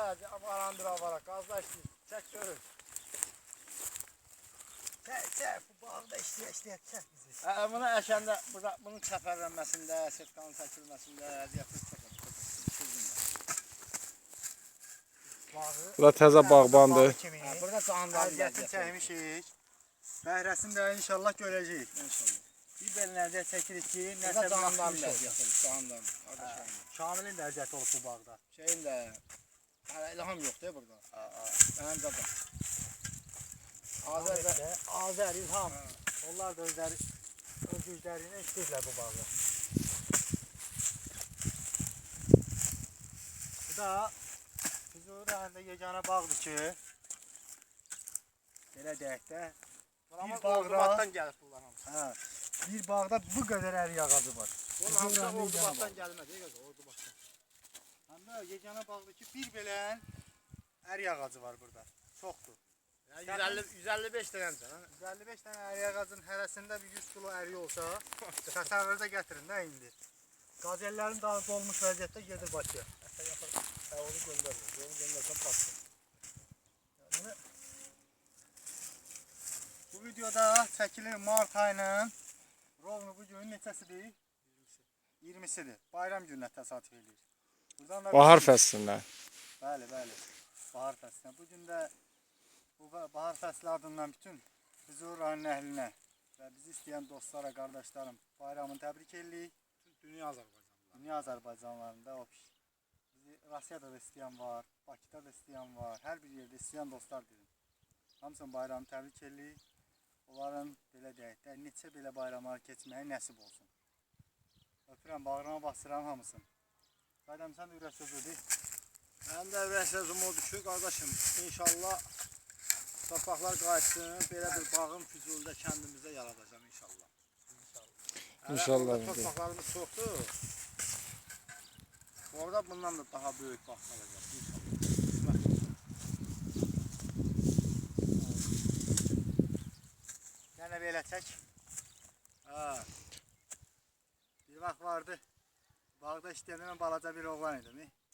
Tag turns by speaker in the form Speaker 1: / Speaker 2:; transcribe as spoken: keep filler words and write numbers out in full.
Speaker 1: Avarandır avara. Gazda işləyir. Çək görür.
Speaker 2: Çək, çək. Bu bağda işləyə işləyə çək bizi.
Speaker 1: Bunu əşəndə, bunun çəpərlənməsində, sirtkanın çəkilməsində əziyyətli çəkir.
Speaker 3: Bu da təzə bağbandır.
Speaker 1: Burada canlı
Speaker 2: əziyyətini çəkmişik. Bəhrəsini də inşallah görəcəyik.
Speaker 1: İnşallah.
Speaker 2: Bir belə əziyyət çəkirik ki,
Speaker 1: Burada
Speaker 2: nəsə
Speaker 1: canlıların
Speaker 2: bir
Speaker 1: da
Speaker 2: əziyyət
Speaker 1: əziyyəti olur. Canlıların.
Speaker 2: Şamilin də əziyyəti olub bu bağda.
Speaker 1: Şeyin də hələ ilham yoxdur burada. Mənim zaten.
Speaker 2: Azər və Azər, İlham. Onlar da özləri öz güclərinə işləyirlər bu bağı. Bu da Füzuli rayonunda yeganə bağdır ki, belə deyək də,
Speaker 1: Bir bağda gəlir bunlar hamısı.
Speaker 2: hə, bir bağda bu qədər ərik ağacı var.
Speaker 1: Bunun hamısı Ordubaddan gəlmədi, Ordubaddan.
Speaker 2: Həm də yeganə bağdır ki, bir belə ərik ağacı var burada. Çoxdur.
Speaker 1: yüz əlli yüz əlli beş dənəmsən, hə?
Speaker 2: yüz əlli beş dənə ərik ağacının hərəsində bir yüz kilo ərik olsa, təsəvvürdə gətirin də indi. Qazellərin daha dolmuş vəziyyətdə gedir Bakıya.
Speaker 1: Hə, onu göndərmir, onu göndərsən batsın.
Speaker 2: Yəni, bu videoda çəkilir mart ayının rovnu bu günün neçəsidir? iyirmisidir. Bayram gününə təsadüf edir. Buradan da
Speaker 3: Bahar fəslində.
Speaker 2: Bəli, bəli. Bahar fəslinə. Bu gün də bu bahar fəsli adından bütün Füzuli rayon əhlinə və bizi istəyən dostlara, qardaşlarım bayramını təbrik edirik.
Speaker 1: Dünya Azərbaycanlılar.
Speaker 2: Dünya Azərbaycanlarında o bizi Rusiyada da istəyən var, Bakıda da istəyən var, hər bir yerdə istəyən dostlar dedim. Hamısının bayramını təbrik edirik. Onların belə deyək də neçə belə bayramlar keçməyə nəsib olsun. Öpürəm, bağrıma basıram hamısını. Qaydam sən də ürək sözüdür.
Speaker 1: Mənim də ürək sözüm odur ki, qardaşım, inşallah torpaqlar qayıtsın, belə bir bağım Füzulidə kəndimizdə yaradacam inşallah.
Speaker 3: İnşallah.
Speaker 1: Torpaqlarımız çoxdur. Orada bundan da daha böyük bağ qalacaq inşallah.
Speaker 2: Yenə belə çək.
Speaker 1: Hə.
Speaker 2: Bir vaxt vardı, bağda işləyəndə mən balaca bir oğlan idim.